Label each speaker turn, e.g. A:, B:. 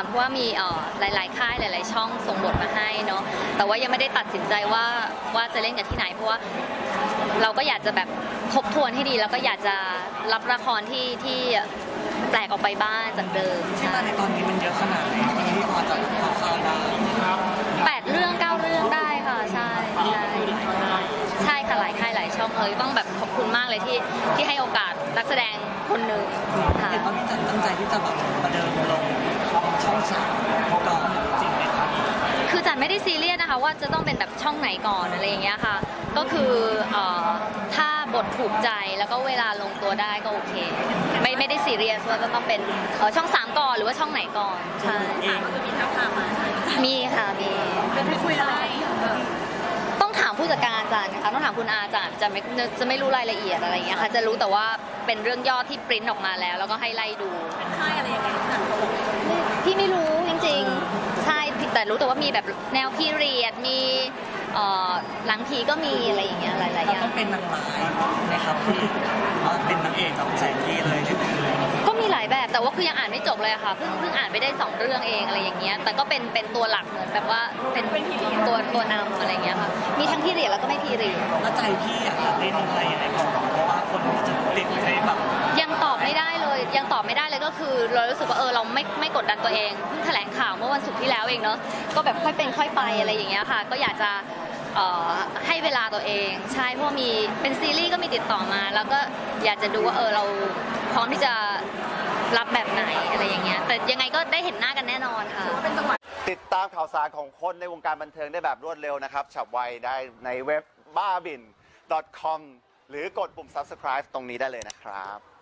A: เพราะว่ามีหลายๆค่ายหลายๆช่องส่งบทมาให้เนาะแต่ว่ายังไม่ได้ตัดสินใจว่าจะเล่นกับที่ไหนเพราะว่าเราก็อยากจะแบบทบทวนให้ดีแล้วก็อยากจะรับละครที่แปลกออกไปบ้างจากเดิม
B: ที่มาในตอนนี้มันเยอะขนาดไหนที่พอจะข่าวได้
A: 8 เรื่อง 9 เรื่องได้ค่ะใช่ค่ะหลายค่ายหลายช่องเลยต้องแบบขอบคุณมากเลยที่ให้โอกาสนักแสดงคนหนึ่งค่ะ
B: เห็นว่าพี่จันตั้งใจที่จะแบบมาเดินลงช่อง3ก่อนจริงไหมครับ
A: คือจันไม่ได้ซีเรียสนะคะว่าจะต้องเป็นแบบช่องไหนก่อนอะไรอย่างเงี้ยค่ะก็คือถ้าบทถูกใจแล้วก็เวลาลงตัวได้ก็โอเคไม่ได้ซีเรียสว่าจะต้องเป็นช่อง3ก่อนหรือว่าช่องไหนก่อนใช่
C: ก็คือมีท้าทามมา
A: มีค่ะมี
C: เป็นที่คุยอะไร
A: ต้องถามผู้จัดการจันนะคะต้องถามคุณอาจันจะไม่รู้รายละเอียดอะไรอย่างเงี้ยค่ะจะรู้แต่ว่าเป็นเรื่องย่อที่ปริ้นออกมาแล้วก็ให้ไล่ดู
C: เป็นค่ายอะไรยังไง
A: พี่ไม่รู้จริงๆใช่แต่รู้แต่ว่ามีแบบแนวพีเรียดมีหลังผีก็มีอะไรอย่างเงี้ยหลายๆอย่าง
B: ต้องเป็นนางร้ายนะครับพี่เป็นนางเอกกับแสงที่เลย
A: ก็มีหลายแบบแต่ว่าคือยังอ่านไม่จบเลยค่ะเพิ่งอ่านไปได้2 เรื่องเองอะไรอย่างเงี้ยแต่ก็เป็นตัวหลักเหมือนแบบว่าเป็นตัวนำอะไรอย่างเงี้ยค่ะมีทั้งพีเรียดแล้วก็ไม่พีเรียด
B: แล้วใจพี่อยากเล่นอะไรยังไงก่อนเพราะว่าคนจะติดในแบบ
A: ยังตอบไม่ได้เลยก็คือเรารู้สึกว่าเราไม่กดดันตัวเองเพิ่งแถลงข่าวเมื่อวันศุกร์ที่แล้วเองเนาะก็แบบค่อยเป็นค่อยไปอะไรอย่างเงี้ยค่ะก็อยากจะให้เวลาตัวเองใช่เพราะมีเป็นซีรีส์ก็มีติดต่อมาแล้วก็อยากจะดูว่าเราพร้อมที่จะรับแบบไหนอะไรอย่างเงี้ยแต่ยังไงก็ได้เห็นหน้ากันแน่นอนค่ะ
D: ติดตามข่าวสารของคนในวงการบันเทิงได้แบบรวดเร็วนะครับฉับไวได้ในเว็บบ้าบิน .com หรือกดปุ่ม subscribe ตรงนี้ได้เลยนะครับ